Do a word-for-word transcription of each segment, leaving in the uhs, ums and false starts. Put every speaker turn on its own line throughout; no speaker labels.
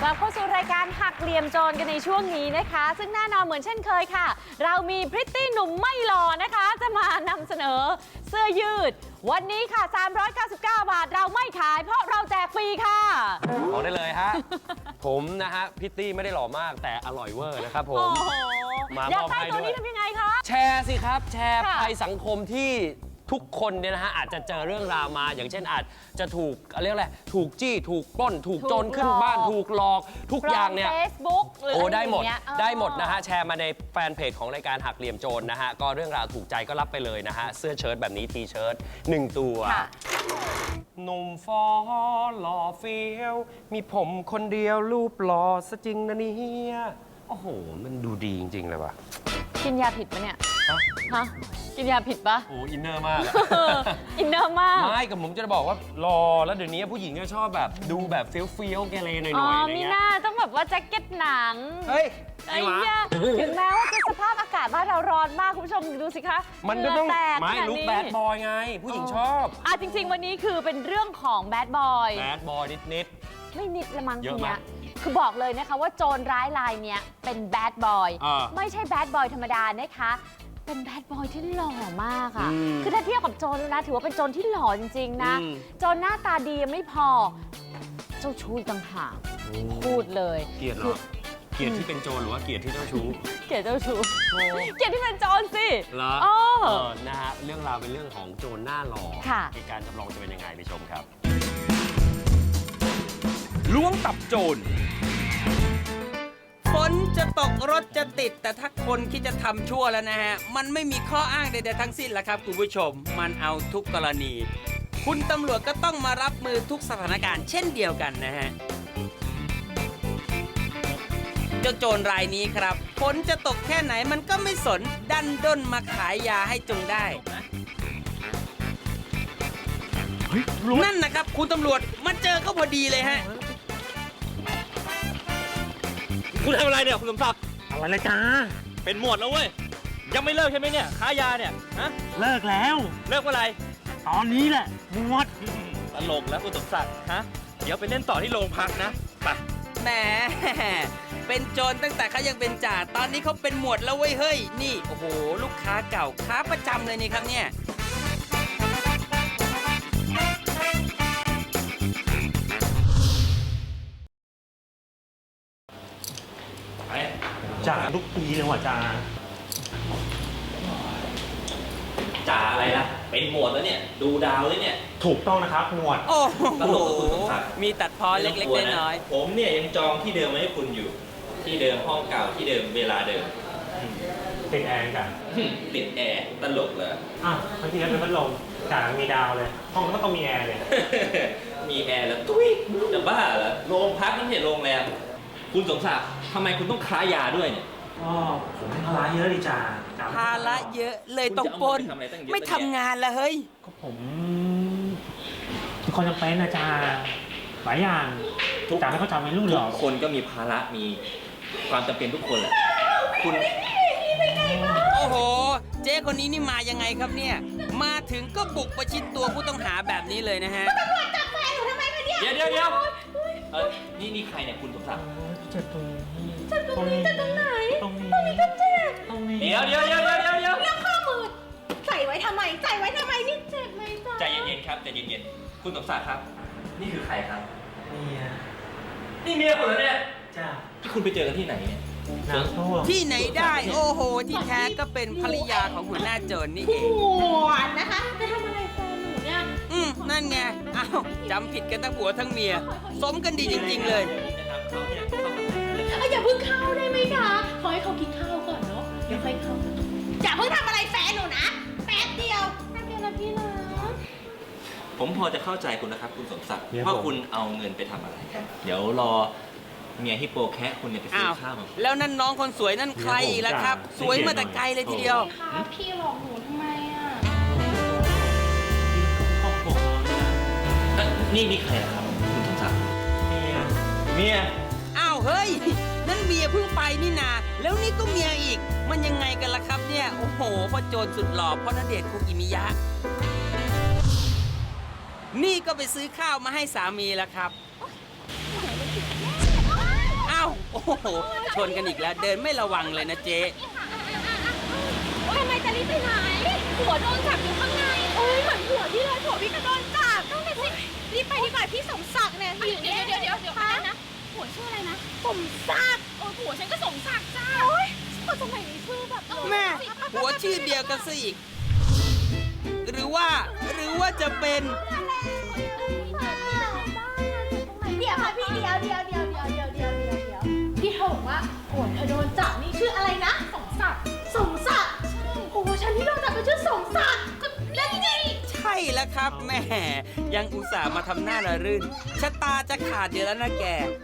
ลับเข้าสู่รายการหักเหลี่ยมโจรกันในช่วงนี้นะคะซึ่งแน่นอนเหมือนเช่นเคยค่ะเรามีพริตตี้หนุ่มไม่หล่อนะคะจะมานำเสนอเสื้อยืดวันนี้ค่ะสามร้อยเก้าสิบเก้าบาทเราไม่ขายเพราะเราแจกฟรีค่ะ
บอกได้เลยฮะ ผมนะฮะพริตตี้ไม่ได้หล่อมากแต่อร่อยเวอร์นะครับผม
มาอยากได้ตัวนี้ทำยังไงคะ
แชร์สิครับแชร์ภัยสังคมที่ทุกคนเนี่ยนะฮะอาจจะเจอเรื่องราวมาอย่างเช่นอาจจะถูกเรียกอะไรถูกจี้ถูกปล้นถูกโจรขึ้นบ้านถูกหลอกทุกอย่างเนี่ย
Facebook หรือ
โอ้ได้หมด
อะไรอย่างเงี้ย
ได้หมดนะฮะแชร์มาในแฟนเพจของรายการหักเหลี่ยมโจรนะฮะก็เรื่องราวถูกใจก็รับไปเลยนะฮะเสื้อเชิ้ตแบบนี้ทีเชิ้ตหนึ่งตัวหนุ่มฟอหล่อเฟี้ยวมีผมคนเดียวรูปหล่อซะจริงนะเนี่ยโอ้โหมันดูดีจริงๆเลยว่ะ
กินยาผิดปะเนี่ยฮะกินยาผิดปะ
โอ้อินเนอร์มาก
อินเนอร์มาก
ไม่กับผมจะบอกว่ารอแล้วเดี๋ยวนี้ผู้หญิงก็ชอบแบบดูแบบเฟี้ยวเฟี้ยวแกเลหน่อยๆ
อ๋อ
อะไร
มี
เงี้ย
หน้าต้องแบบว่าแจ็คเก็ตหนัง
เฮ้ย
ไอ้เหี้ยถึงแม้ว่าจะสภาพอากาศบ้านเราร้อนมากคุณผู้ชมดูสิคะ
มันก็ต้องไม่ลุคแบดบอยไงผู้หญิงชอบ
อ่ะจริงๆวันนี้คือเป็นเรื่องของแบดบอย
แบดบอยนิด
ๆไม่นิดละมั้ง
เยอะมาก
คือบอกเลยนะคะว่าโจรร้ายรายเนี้ยเป็นแบดบอยไม่ใช่แบดบอยธรรมดานะคะเป็นแบดบอยที่หล่อมากอ่ะคือถ้าเทียบกับโจรแล้วนะถือว่าเป็นโจรที่หล่อจริงๆนะโจรหน้าตาดียังไม่พอเจ้าชู้ต่างหากพูดเลย
เกลียดเหรอเกลียดที่เป็นโจรหรือว่าเกลียดที่เจ้าชู้
เกลียดเจ้าชู้เกลียดที่เป็นโจรสิ
เหรอเออนะฮะเรื่องราวเป็นเรื่องของโจรหน้าหล่อเหตุการณ์จำลองจะเป็นยังไงไปชมครับ
ล้วงตับโจรฝนจะตกรถจะติดแต่ถ้าคนคิดจะทำชั่วแล้วนะฮะมันไม่มีข้ออ้างใดๆทั้งสิ้นละครับคุณผู้ชมมันเอาทุกกรณีคุณตำรวจก็ต้องมารับมือทุกสถานการณ์เช่นเดียวกันนะฮะเจ้าโจรรายนี้ครับฝนจะตกแค่ไหนมันก็ไม่สนดันด้นมาขายยาให้จงได้นั่นนะครับคุณตำรวจมาเจอก็พอดีเลยฮะ
คุณทำอะไรเนี่ยคุณสมศักดิ์อะไรนะจ๊ะเป็นหมวดแล้วเว้ยยังไม่เลิกใช่ไหมเนี่ยค้ายาเนี่ยฮะ
เลิกแล้ว
เลิกเมื่อไหร่
ตอนนี้แหละหมวด
ตลกแล้วคุณสมศักดิ์ฮะเดี๋ยวไปเล่นต่อที่โรงพักนะไป
แหมเป็นโจรตั้งแต่เขายังเป็นจ่าตอนนี้เขาเป็นหมวดแล้วเว้ยเฮ้ยนี่โอ้โหลูกค้าเก่าค้าประจำเลยนี่ครับเนี่ย
จ่าทุกปีเลยว่ะจ่า
จ่าอะไรนะเป็นหมวดแล้วเนี่ยดูดาวเลยเนี่ย
ถูกต้องนะครับหมวด
โอ้โหมีตัดพอเล็กๆน้อย
ๆผมเนี่ยยังจองที่เดิมไว้ให้คุณอยู่ที่เดิมห้องเก่าที่เดิมเวลาเดิม
ติดแอร์กัน
ติดแอร์ตลกเลย
อ่ะเมื่อกี้เป็นพัดลมจ่ามีดาวเลยห้องก็ต้องมีแอร์เลย
มีแอร์แล้วตุ้ยจะบ้าเหรอโรงพักไม่ใช่โรงแรมคุณสมศักดิ์ทำไมคุณต้องค้ายาด้วยเนี่ย
อ๋อผมภาระเยอะดิจ่า
ภาระเยอะเลยต้องปล้นไม่ทำงานละเฮ้ย
ก็ผมทุกคนจำเป็นนะจ่าหลายอย่างทุกจ่าไม่เข้าใจไม่รู้หรอก
คนก็มีภาระมีความจำเป็นทุกคนแหละคุณ
โอ้โหเจ๊คนนี้นี่มายังไงครับเนี่ยมาถึงก็บุกประชิดตัวผู้ต้องหาแบบนี้เลยนะฮะ
ตำรวจจับแฟนหนูทำไมคะเนี่ย
เดี๋ยวเดี๋ยวเดี๋ยวเออนี่นี่ใครเนี่ยคุณสมศักดิ์
เจ็บตรงนี้
เจ็บตรงนี้เจ็บตรงไหน
ตรงนี้
ตรงนี้ก็เจ็บ
ตรงนี้
เดี๋ยวเดี๋ยวเดี๋ยวเดี๋ยวเดี๋ยวเดี๋ยว
เรื่องข้อมือใส่ไว้ทำไมใส่ไว้ทำไมนี่เจ็บไหมจ๊ะ
ใจเย็นๆครับใจเย็นๆคุณสมศักดิ์ครับนี่คือใครครับ
เมีย
นี่เมียคุณเหรอเนี่ย
จ้า
ที่คุณไปเจอกันที่ไหนเนี่ย
ที่ไหนได้โอ้โหที่แท้ก็เป็นภรรยาของหัวหน้าโจรนี่เอง
หวานนะคะจะทำอะไรแฟนหนูเนี่ย
อืมนั่นไงอ้าวจำผิดกันทั้งผัวทั้งเมียสมกันดีจริงๆเลย
อย่าเพิ่งเข้าได้ไหมคะขอให้เขากินข้าวก่อนเนาะเดี๋ยวค่อยเข้าอย่าเพิ่งทำอะไรแฟนหนูนะแป๊บเดียวแป๊บเดียวนะพี่นะ
ผมพอจะเข้าใจคุณนะครับคุณสมศักดิ์ว่าคุณเอาเงินไปทำอะไรเดี๋ยวรอเมียฮิปโปแคะคุณเนี่ยไปซื้อข้าว
แล้วนั่นน้องคนสวยนั่นใครอีกล่ะครับสวยมาแต่ไกลเลยทีเดียว
พี่หลอกหนูทำไมอ่ะ
นี่นี่ใครครับคุณสมศักดิ์เมียเมีย
อ้าวเฮ้ยนั่นเมียเพิ่งไปนี่นาแล้วนี่ก็เมียอีกมันยังไงกันล่ะครับเนี่ยโอ้โหพ่อโจรสุดหล่อพ่อณเดชน์คุกิมิยะนี่ก็ไปซื้อข้าวมาให้สามีแล้วครับาวโอ้โหชนกันอีกแล้วเดินไม่ระวังเลยนะเจ๊
ทำไมจะรีบไปไหนผัวโดนจับอยู่ข้างในเอ้ยเหมือนผัวพี่เลยผัวพี่ก็โดนจับต้องไปสิรีบไปดีกว่าพี่สมศักดิ์เนี่ยอยู่เนี่ยเดี๋ยวเดี๋ยวเดี๋ยวนะผัวชื่ออะไรนะสมศักดิ์โอ้ผัวฉันก็สมศักดิ์จ้าโอ้ยคนสมัยนี้ชื่อแบบ
แม่หัวชื่อเดียวกันซะอีก หรือว่าหรือว่าจะเป็น
เดี๋ยวค่ะพี่เดียวเดียวเดียวเดียวเดียวเดียวเดียวเดียวพี่เธอบอกว่าผัวเธอโดนจับนี่ชื่ออะไรนะสมศักดิ์สมศักดิ์โอ้ฉันที่โดนจับเป็นชื่อสมศักดิ์ก็นั่นไง
ใช่แล้วครับแม่ยังอุตส่าห์มาทำหน้าระรื่นชะตาจะขาดอยู่แล้วนะแก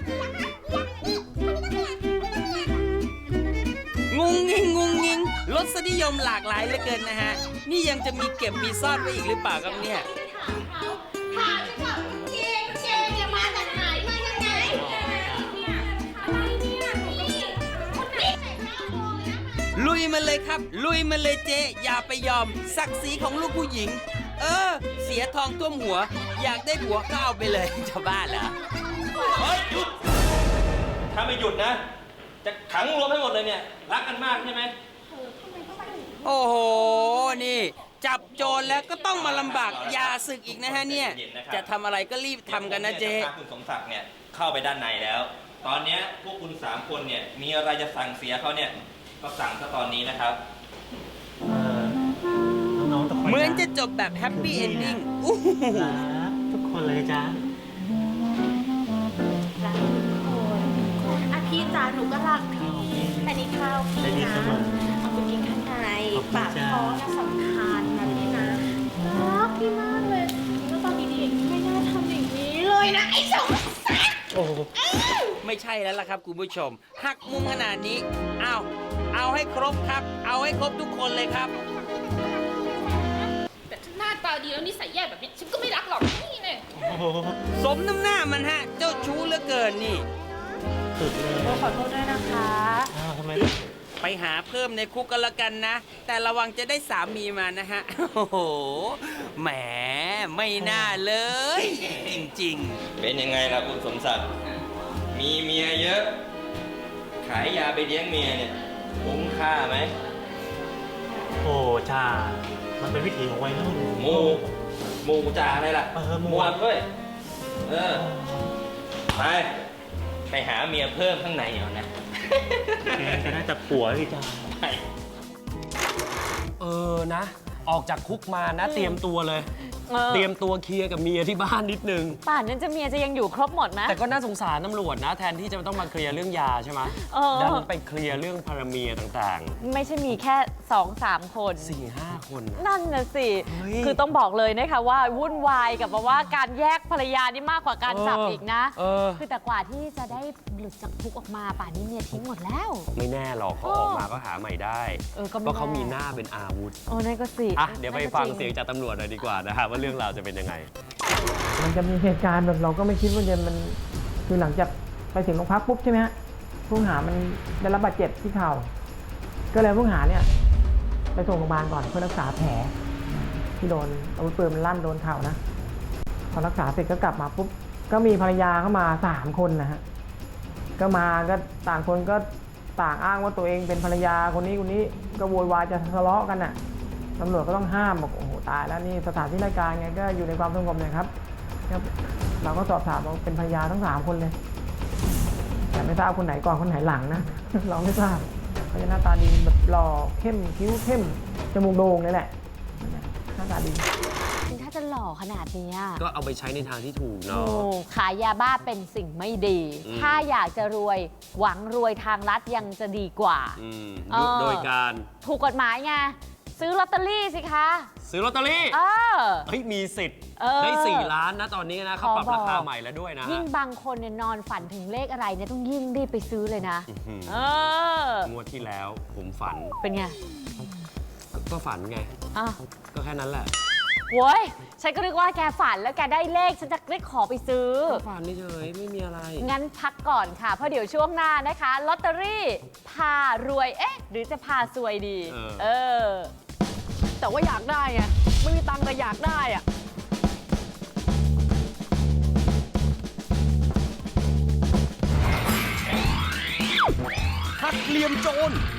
งุงงิงงุงงิงรสนิยมหลากหลายเหลือเกินนะฮะ นี่ยังจะมีเก็บมีซ่อนไว้อีกหรือเปล่าครับเนี่ย
ถามฉันก่อนเจนเจนเนี่ยมาจากไหนมายังไงเนี่ยอะไรเนี่ยนี่คนนี้ใส่หน้าโมเลยนะคะ
ลุยมาเลยครับ ลุยมาเลยเจ๊อย่าไปยอมศักดิ์ศรีของลูกผู้หญิง เออ เสียทองท่วมหัว อยากได้ผัวก็เอาไปเลยจะบ้าเหรอ
เฮ้ยหยุด ถ้าไม่หยุดนะ จะขังรวมให้หมดเลยเนี่ย รักกันมากใช่ไหม
โอ้โห นี่ จับโจรแล้วก็ต้องมาลำบากยาศึกอีกนะฮะเนี่ย จะทำอะไรก็รีบทำกันนะเจ๊
ดี๋ยวผมนี่ยจพาคุณสมศักดิ์เนี่ยเข้าไปด้านในแล้ว ตอนเนี้ยพวกคุณสามคนเนี่ยมีอะไรจะสั่งเสียเขาเนี่ยก็สั่งซะตอนนี้นะครับ
เอ่อน้องๆทุกคน
เหมือนจะจบแบบแฮปปี้เอนดิ้งอู้หู
รักทุกคนเลยจ้า
รักทุกคนอ่ะพี่จ๋าหนูก็รักพี่อันนี้ข้าวพี่
ได้ดี
นะ
เสมอ
เอาไปกินข้างใน
ขอบคุณ
ปาก
จ้า
ท้องน่ะสำคัญนะพี่นะรักพี่มากเลยแล้วตอนดีๆไม่น่าทำอย่างนี้เลยนะไอ้สมศักดิ์
โอ้โห
ไม่ใช่แล้วล่ะครับคุณผู้ชม หักมุมขนาดนี้ เอาเอาให้ครบครับ เอาให้ครบทุกคนเลยครับ
แต่หน้าตาดีแล้วนิสัยแย่แบบนี้ฉันก็ไม่รักหรอกนี่เลย
โอ้โห
สมน้ำหน้ามันฮะ เจ้าชู้เหลือเกินนี่
สุดเลย
ขอโทษด้วยนะคะ
อ้าวทำไม
ไปหาเพิ่มในคุกกันละกันนะ แต่ระวังจะได้สามีมานะฮะ โอ้โห แหม ไม่น่าเลย จริง
เป็นยังไงล่ะคุณสมศักดิ์ มีเมียเยอะ ขายยาไปเลี้ยงเมียเนี่ยคุ้มค่าไหม
โอ้จ้า มันเป็นวิถีของวัยรุ่น
หมูหมูจ่าอะไรล่ะ
เออหมู
มวนด้วย เออ ไป ไปหาเมียเพิ่มข้างในเอานะ
แกจะน่าจะปัวพี่จ้า
เออนะ ออกจากคุกมานะ เตรียมตัวเลย
เออ
เตรียมตัวเคลียร์กับเมียที่บ้านนิดนึง
ป่านนั้นจะเมียจะยังอยู่ครบหมดไหม
แต่ก็น่าสงสารตำรวจนะ แทนที่จะต้องมาเคลียร์เรื่องยาใช่ไหม
เออ
ดันไปเคลียร์เรื่องพาราเมียต่าง
ไม่ใช่มีแค่สองสามคน
ๆ สี่ห้าคนนะ
นั่นนะสิ
เฮ้ย
คือต้องบอกเลยนะคะว่าวุ่นวายกับแบบว่าการแยกภรรยานี่มากกว่าการจับ
เอออี
อีกนะ
เออ
คือแต่กว่าที่จะได้หลุดจากคุกออกมาป่านนี้เมียทิ้งหมดแล้ว
ไม่แน่หรอกเขาออกมาก็หาใหม่ได้
เออก็ไม่
เพราะเขา
แน่
มีหน้าเป็นอาวุธ
โอ้นั่นก็สิ
อ่ะ เดี๋ยวไป
นั่นก็
ฟัง
จริ
เสียงจากตำรวจหน่อยดีกว่านะฮะว่าเรื่องราวจะเป็นยังไง
มันจะมีเหตุการณ์แบบเราก็ไม่คิดว่าจะมันคือหลังจากไปถึงโรงพักปุ๊บใช่ไหมฮะผู้ต้องหามันได้รับบาดเจ็บที่เข่าก็เลยผู้ต้องหาเนี่ยไปส่งโรงพยาบาลก่อนเพื่อรักษาแผลที่โดนอาวุธปืนมันลั่นโดนเข่านะพอรักษาเสร็จก็กลับมาปุ๊บก็มีภรรยาเข้ามาสามคนนะฮะก็มาก็ต่างคนก็ต่างอ้างว่าตัวเองเป็นภรรยาคนนี้คนนี้ก็โวยวายจะทะเลาะกันน่ะตำรวจก็ต้องห้ามบอกโอ้โหตายแล้วนี่สถานที่ราชการไงก็อยู่ในความสงบเลยครับครับ เราก็สอบถามว่าเป็นภรรยาทั้งสามคนเลย แต่ไม่ทราบคนไหนก่อนคนไหนหลังนะ เราไม่ทราบเขาจะหน้าตาดีแบบหล่อเข้มคิ้วเข้มจมูกโด่งเลยแหละหน้าตาดี
ถ้าจะหล่อขนาดเนี้ย
ก็เอาไปใช้ในทางที่ถูก
โอ้
เนาะ
ขายยาบ้าเป็นสิ่งไม่ดี
อืม
ถ้าอยากจะรวยหวังรวยทางลัดยังจะดีกว่า
อืม
เออ
โดยการ
ถูกกฎหมายไงซื้อลอตเตอรี่สิคะ
ซื้อลอตเตอรี่
เออ
เฮ้ย มีสิทธิ์
เออ
ได้สี่ล้านนะตอนนี้นะเขาปรับ
ขอบอก
ราคาใหม่แล้วด้วยนะ
ยิ่งบางคนเนี่ยนอนฝันถึงเลขอะไรเนี่ยต้องยิ่งรีบไปซื้อเลยนะ
อื้อหือ
เออ
งวดที่แล้วผมฝัน
เป็นไง
ก็ก็ฝันไง
อ่ะ
ก็แค่นั้นแหละ
โว้ยฉันก็นึกว่าแกฝันแล้วแกได้เลขฉันจะได้ขอไปซื้อ
ก็ฝันเฉยๆไม่มีอะไร
งั้นพักก่อนค่ะ เพราะเดี๋ยวช่วงหน้านะคะลอตเตอรี่พารวยเอ๊ะ หรือจะพาซวยดี
เออ
เออ แต่ว่าอยากได้ไงไม่มีตังค์แต่อยากได้อะ
หักเหลี่ยมโจร